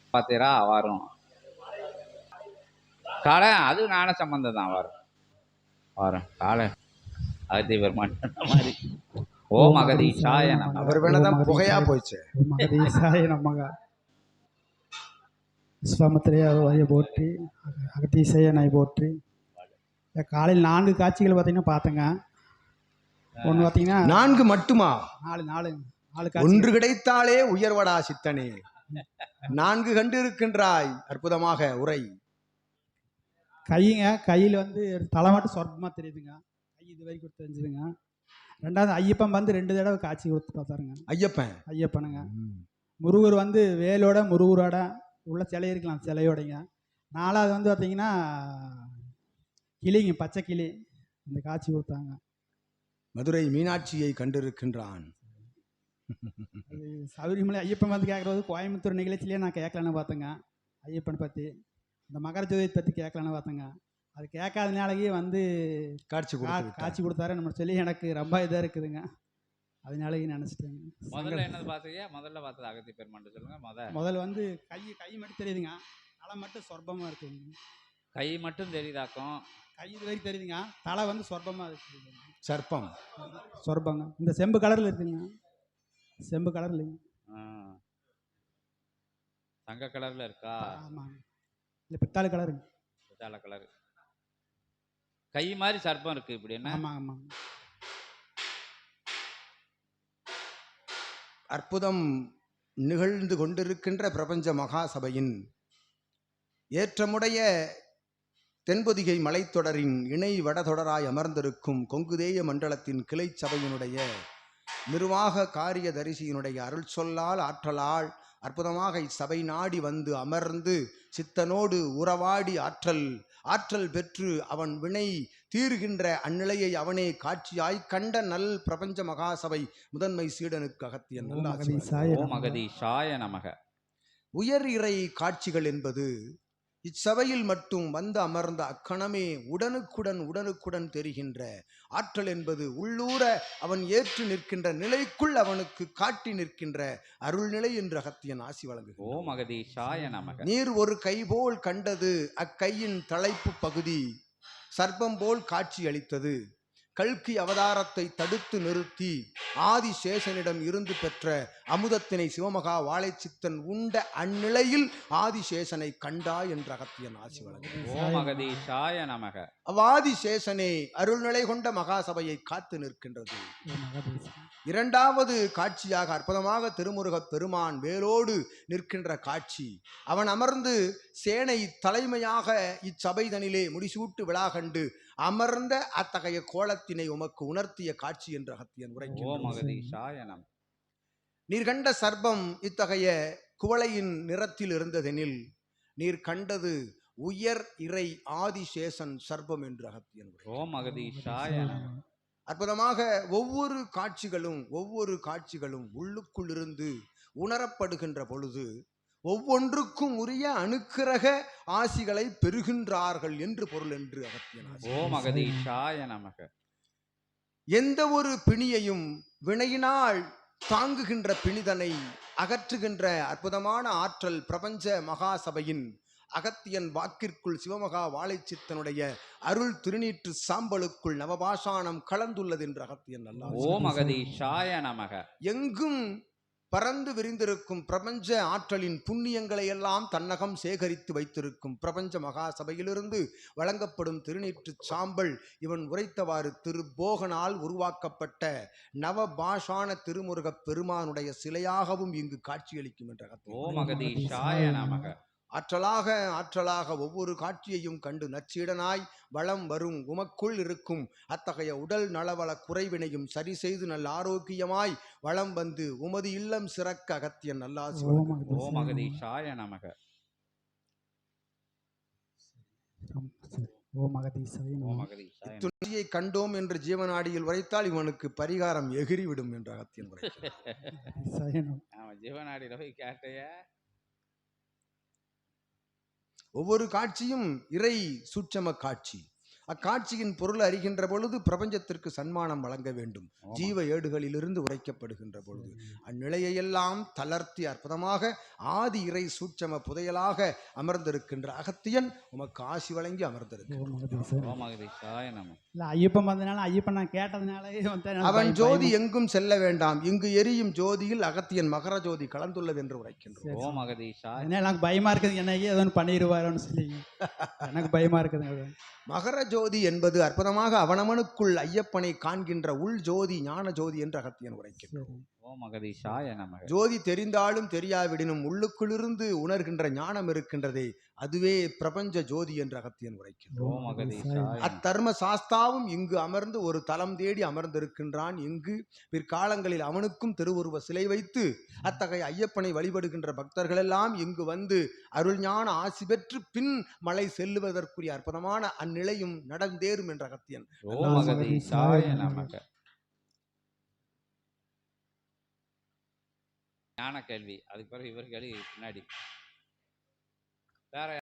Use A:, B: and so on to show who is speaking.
A: பார்த்தீரா வரும் காலை அது ஞான சம்பந்தம் தான் வரும் வரும் காலை அகத்தி பெருமான் மாதிரி ஓ மகதீஷாய நமக.
B: அவர் வேணதான் புகையா போயிடுச்சு.
C: மகதீஷாய நமக. விஸ்வாமித்திரையை போற்றி, அகத்தீசையனை போற்றி. காலையில் 4 காட்சிகள் பார்த்தீங்கன்னா பார்த்தேங்க. ஒன்று பார்த்தீங்கன்னா
B: 4 மட்டுமா?
C: 4
B: ஒன்று கிடைத்தாலே உயர்வடா சித்தனே, 4 கண்டு இருக்கின்றாய். அற்புதமாக உரை.
C: கையில் வந்து தலை மட்டும் சொர்க்கமாக தெரியுதுங்க. கை இது வரைக்கும் தெரிஞ்சுதுங்க. 2வது ஐயப்பன் வந்து 2 தடவை காட்சி கொடுத்து பார்த்தாருங்க. ஐயப்பனுங்க. முருகர் வந்து வேலோட முருகரோட உள்ள சிலை இருக்கலாம், சிலையோடைங்க. 4வது வந்து பார்த்தீங்கன்னா கிளிங்க, பச்சை கிளி, அந்த காட்சி கொடுத்தாங்க.
B: மதுரை மீனாட்சியை கண்டிருக்கின்றான்.
C: சபரிமலை ஐயப்பன் வந்து கேட்குறது கோயம்புத்தூர் நிகழ்ச்சியிலே நான் கேட்கலான்னு பார்த்தேங்க. ஐயப்பனை பற்றி, இந்த மகர ஜோதியை பற்றி கேட்கலான்னு பார்த்தேங்க. அது கேட்காதனாலேயே வந்து காட்சி கொடுத்தாரு நம்ம சொல்லி எனக்கு ரொம்ப இதாக இருக்குதுங்க. அதனாலேயே நினச்சிட்டேங்க.
A: முதல்ல என்னது பார்த்தீங்க? முதல்ல பார்த்தது அகத்தி பெருமான் சொல்லுங்க.
C: முதல்ல வந்து கை மட்டும் தெரியுதுங்க. தலை மட்டும் சொர்பமாக இருக்குதுங்க.
A: கை மட்டும் தெரியுதாக்கும்.
C: கை இது வரைக்கும் தெரியுதுங்க. தலை வந்து சொர்பமாக இருக்குது.
B: சர்ப்பம்
C: சொர்பங்க. இந்த செம்பு கலரில் இருக்குதுங்க. செம்பு கலர் இல்லைங்க,
A: தங்க கலர்ல இருக்கா?
C: ஆமாங்க. இல்லை பித்தாளை கலருங்க.
A: பித்தாளை கலர். கை மாதிரி சர்ப்பம் இருக்கு இப்படி என்ன?
C: ஆமாம் ஆமாம்.
B: அற்புதம் நிகழ்ந்து கொண்டிருக்கின்ற பிரபஞ்ச மகாசபையின் ஏற்றமுடைய தென்பொதிகை மலைத்தொடரின் இணை வடதொடராய் அமர்ந்திருக்கும் கொங்குதேய மண்டலத்தின் கிளை சபையினுடைய நிர்வாக காரிய தரிசியினுடைய அருள் சொல்லால் ஆற்றலால் அற்புதமாக இச்சபை நாடி வந்து அமர்ந்து சித்தனோடு உறவாடி ஆற்றல் பெற்று அவன் வினை தீர்கின்ற அந்நிலையை அவனே காட்சியாய் கண்ட நல் பிரபஞ்ச மகாசபை முதன்மை சீடனுக்கு அகத்தியன்
A: மகதீஷாய நமக.
B: உயர் இறை காட்சிகள் என்பது இச்சபையில் மட்டும் வந்து அமர்ந்த அக்கணமே உடனுக்குடன் தெரிகின்ற ஆற்றல் என்பது உள்ளூர அவன் ஏற்று நிற்கின்ற நிலைக்குள் அவனுக்கு காட்டி நிற்கின்ற அருள்நிலை என்று அகத்தியன் ஆசி வழங்குகிறான். நீர் ஒரு கை போல் கண்டது, அக்கையின் தலைப்பு பகுதி சர்ப்பம் போல் காட்சி அளித்தது. கல்கி அவதாரத்தை தடுத்து நிறுத்தி ஆதிசேஷனிடம் இருந்து பெற்ற அமுதத்தினை சிவமகா வாழைச்சித்தன் உண்ட அந்நிலையில் ஆதிசேஷனை கண்டா என்ற அகத்தியன் ஆசி வழங்குகிறான். அவ்வாதிசேஷனே அருள்நிலை கொண்ட மகாசபையை காத்து நிற்கின்றது. 2வது காட்சியாக அற்புதமாக திருமுருகப் பெருமான் வேலோடு நிற்கின்ற காட்சி. அவன் அமர்ந்து சேனை தலைமையாக இச்சபைதனிலே முடிசூட்டு விழா கண்டு அமர்ந்த அத்தகைய கோலத்தினை உமக்கு உணர்த்திய காட்சி என்று அகத்தியன் உரைக்கிறான். நீர் கண்ட சர்ப்பம் இத்தகைய குவளையின் நிறத்தில் இருந்ததெனில் நீர் கண்டது உயர் இறை ஆதிசேஷன் சர்ப்பம் என்று அகத்தியன். அற்புதமாக ஒவ்வொரு காட்சிகளும் உள்ளுக்குள் இருந்து உணரப்படுகின்ற பொழுது ஒவ்வொன்றுக்கும் உரிய அனுக்கிரக ஆசிகளை பெறுகின்றார்கள் என்று பொருள் என்று அகத்தியன். எந்த ஒரு பிணியையும் வினையினால் தாங்குகின்ற பிணிதனை அகற்றுகின்ற அற்புதமான ஆற்றல் பிரபஞ்ச மகாசபையின் அகத்தியன் வாக்கிற்குள் சிவமகா வாழைச்சித்தனுடைய அருள் திருநீற்று சாம்பலுக்குள் நவபாஷானம் கலந்துள்ளது என்று அகத்தியன் எங்கும் பறந்து விரிந்திருக்கும் பிரபஞ்ச ஆற்றலின் புண்ணியங்களை எல்லாம் தன்னகம் சேகரித்து வைத்திருக்கும் பிரபஞ்ச மகாசபையிலிருந்து வழங்கப்படும் திருநீற்று சாம்பல் இவன் உரைத்தவாறு திருபோகனால் உருவாக்கப்பட்ட நவபாஷான திருமுருகப் பெருமானுடைய சிலையாகவும் இங்கு காட்சியளிக்கும் என்ற ஆற்றலாக ஒவ்வொரு காட்சியையும் கண்டு நச்சீடனாய் வளம் வரும் உமக்குள் இருக்கும் அத்தகைய உடல் நலவள குறைவினையும் சரி செய்து நல்ல ஆரோக்கியமாய் வளம் வந்து உமது இல்லம் சிறக்க அகத்தியன் நல்லாசி. இத்துணையை கண்டோம் என்று ஜீவனாடியில் உரைத்தால் இவனுக்கு பரிகாரம் எகிரிவிடும் என்று அகத்தியன்
A: ஜீவனாடியில் போய் கேட்டைய.
B: ஒவ்வொரு காட்சியும் இறை சூட்சம காட்சி. அக்காட்சியின் பொருள் அறிகின்ற பொழுது பிரபஞ்சத்திற்கு சன்மானம் வழங்க வேண்டும். ஜீவ ஏடுகளிலிருந்து உரைக்கப்படுகின்ற பொழுது அந்நிலையெல்லாம் தளர்த்தி அற்புதமாக ஆதி இறை சூட்சம புதையலாக அமர்ந்திருக்கின்ற அகத்தியன் உமக்கு ஆசி வழங்கி
A: ஓமகதீசாய நம.
C: இல்ல ஐயப்பன் வந்தனால ஐயப்பன் நான் கேட்டதுனாலே
B: அவன் ஜோதி எங்கும் செல்ல வேண்டாம், இங்கு எரியும் ஜோதியில் அகத்தியன் மகர ஜோதி கலந்துள்ளது என்று உரைக்கின்றோம்.
A: ஓமகதீசாய.
C: எனக்கு பயமா இருக்குது, என்னைக்கு ஏதோ பண்ணிடுவாரோன்னு சொல்லி எனக்கு பயமா இருக்குதுங்க.
B: மகர ஜோதி என்பது அற்புதமாக அவனவனுக்குள் ஐயப்பனை காண்கின்ற உள் ஜோதி ஞான ஜோதி என்று அகத்தியன் உரைக்கின்றோம்.
A: ஓமகதீசாய நம.
B: ஜோதி தெரிந்தாலும் தெரியாவிடனும் உள்ளுக்குள்ளிருந்து உணர்கின்ற ஞானம் இருக்கின்றதே, அதுவே பிரபஞ்ச ஜோதி என்று அகத்தியன் உரைக்கின்றோம். அத்தர்ம சாஸ்தாவும் இங்கு அமர்ந்து ஒரு தலம் தேடி அமர்ந்திருக்கின்றான். இங்கு பிற்காலங்களில் அவனுக்கும் திருவுருவ சிலை வைத்து அத்தகைய ஐயப்பனை வழிபடுகின்ற பக்தர்கள் எல்லாம் இங்கு வந்து அருள் ஞான ஆசி பெற்று பின் மலை செல்லுவதற்குரிய அற்புதமான அந்நிலையும் நடந்தேறும் என்ற அகத்தியன்.
A: ஓமகதீசாய நமக. ஞான கேள்வி, அதுக்கு பிறகு இவர் கேள்வி பின்னாடி வேற